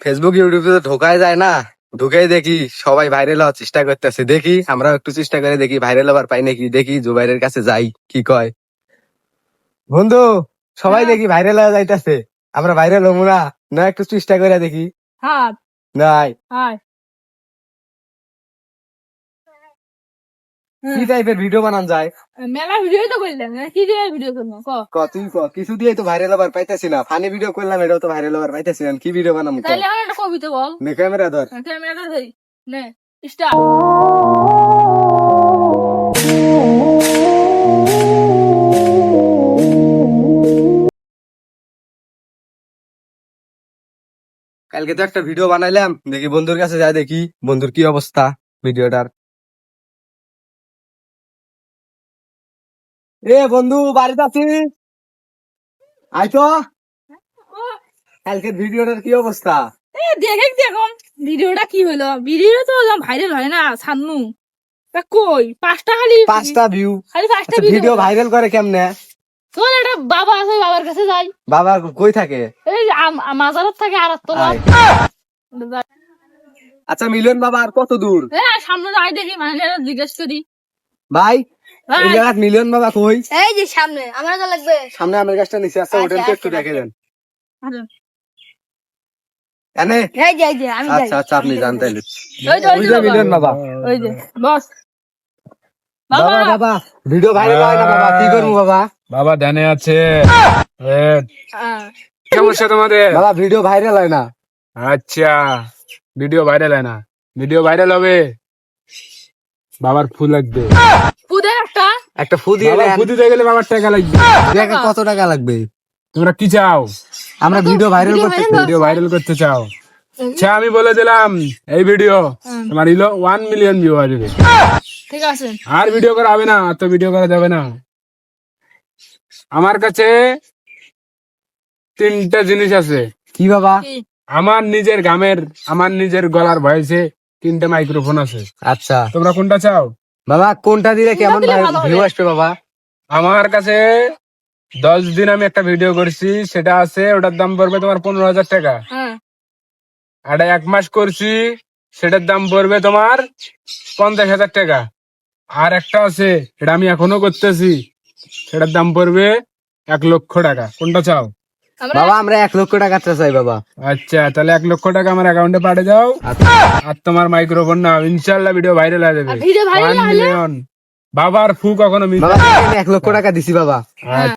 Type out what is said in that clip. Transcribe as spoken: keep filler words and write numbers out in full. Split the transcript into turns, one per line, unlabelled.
Facebook ইউটিউবে তো ঢোকায় যায় না, ঢুকেই দেখি সবাই ভাইরাল হওয়ার চেষ্টা করতেছে। দেখি আমরা একটু চেষ্টা করে দেখি ভাইরাল হবার পাই নাকি। দেখি জুবাইরের কাছে যাই, কি কয়। বন্ধু, সবাই দেখি ভাইরাল হয়ে যাইতেছে, আমরা ভাইরাল হবো না? না একটু চেষ্টা করে দেখি।
হ্যাঁ
নাই
হ্যাঁ
কি টাইপের ভিডিও বানান যায়?
মেলা ভিডিও তো করলাম, কি দিয়ে ভিডিও করবো ক
ক তুই ক, কিছু দিয়ে তো ভাইরাল হবার পাইতেছি না। ফানি ভিডিও করলাম, এটাও তো ভাইরাল হবার পাইতেছি না। কি ভিডিও বানাবো?
তাহলে আমার একটা কবিতা বল।
নে ক্যামেরা ধর।
ক্যামেরাটা ধরি নে স্টার্ট।
কালকে তো একটা ভিডিও বানাইলাম, দেখি বন্ধুর কাছে যাই, দেখি বন্ধুর কি অবস্থা ভিডিওটার। এ বন্ধু, বাড়িতে আছিস? আই তো। কালকের ভিডিওটার কি অবস্থা?
এ দেখে দেখুন ভিডিওটা কি হলো। ভিডিও তো ভাইরাল হয় না সান্নু। তা কই পাঁচটা খালি
পাঁচটা ভিউ।
খালি পাঁচটা
ভিডিও ভাইরাল করে কেমনে?
তোর একটা বাবা আছে, বাবার কাছে যাই।
বাবা কই থাকে?
এই আম- মাজারত থাকে আর তোলা।
আয়। আচ্ছা মিলন বাবা আর কত দূর?
হ্যাঁ সামনে যাই দেখি, মানে জিজ্ঞেস করি।
ভাই
ভাই।
এই জায়গায় মিলন বাবা কই?
এই যে সামনে আমার তো লাগবে।
সামনে আমার গাছটা নিচে আছে, ওটা
আচ্ছা,
একটু দেখে দেন।
আচ্ছা।
এনে
এই যে এই যে আমি যাই।
আচ্ছা আচ্ছা, আপনি জানতে
ওই যে, ওই
ওই
যে
যে
বাবা।
মিলন বাবা।
ওই যে বস
বাবা
বাবা।
বাবা ভিডিও ভাইরাল হয় না বাবা, কি করবো বাবা?
বাবা ধ্যানে আছে। এ,
হ্যাঁ।
কি অবস্থা তোমাদের?
বাবা ভিডিও ভাইরাল হয় না।
আচ্ছা, ভিডিও ভাইরাল হয় না, ভিডিও ভাইরাল হবে। বাবার ফুল লাগবে।
পুদে একটা
একটা ফু দিয়ে
বাবার
দেন।
ফুল দিতে গেলে বাবার টাকা লাগবে।
দেখে কত টাকা লাগবে?
তোমরা কি চাও?
আমরা ভিডিও ভাইরাল করতে চাই।
ভিডিও ভাইরাল করতে চাও? আচ্ছা আমি বলে দিলাম, এই ভিডিও তোমার ইলো ওয়ান মিলিয়ন ভিউ আসবে।
ঠিক আছে।
আর ভিডিও করা হবে না, আর তো ভিডিও করা যাবে না। আমার কাছে তিনটা জিনিস আছে।
কি বাবা?
কি?
আমার নিজের গামের, আমার নিজের গলার ভয়েসে তিনটা মাইক্রোফোন আছে।
আচ্ছা
তোমরা কোনটা চাও?
বাবা, কোনটা দিলে কেমন
দিলে ভালো হবে।
ভিউ আসবে বাবা?
আমার কাছে দশ দিন আমি একটা ভিডিও করছি, সেটা আছে, ওটার দাম পড়বে তোমার পনেরো হাজার টাকা।
হ্যাঁ
আর এক মাস করছি, সেটার দাম পড়বে তোমার পঞ্চাশ হাজার টাকা। আর একটা আছে, এটা আমি এখনো করতেছি, সেটার দাম পড়বে এক লক্ষ টাকা। কোনটা চাও?
আমরা
বাবা আমরা এক লক্ষ টাকা চাই বাবা।
আচ্ছা তাহলে এক লক্ষ টাকা আমার অ্যাকাউন্টে পাঠিয়ে দাও। আর তোমার মাইক্রোফোন না, ইনশাল্লাহ ভিডিও ভাইরাল হয়ে যাবে।
আর ভিডিও ভাইরাল
One
হলে
million। বাবার ফু কখনো মিস
বাবা এক লক্ষ টাকা দিছি বাবা।
হ্যাঁ।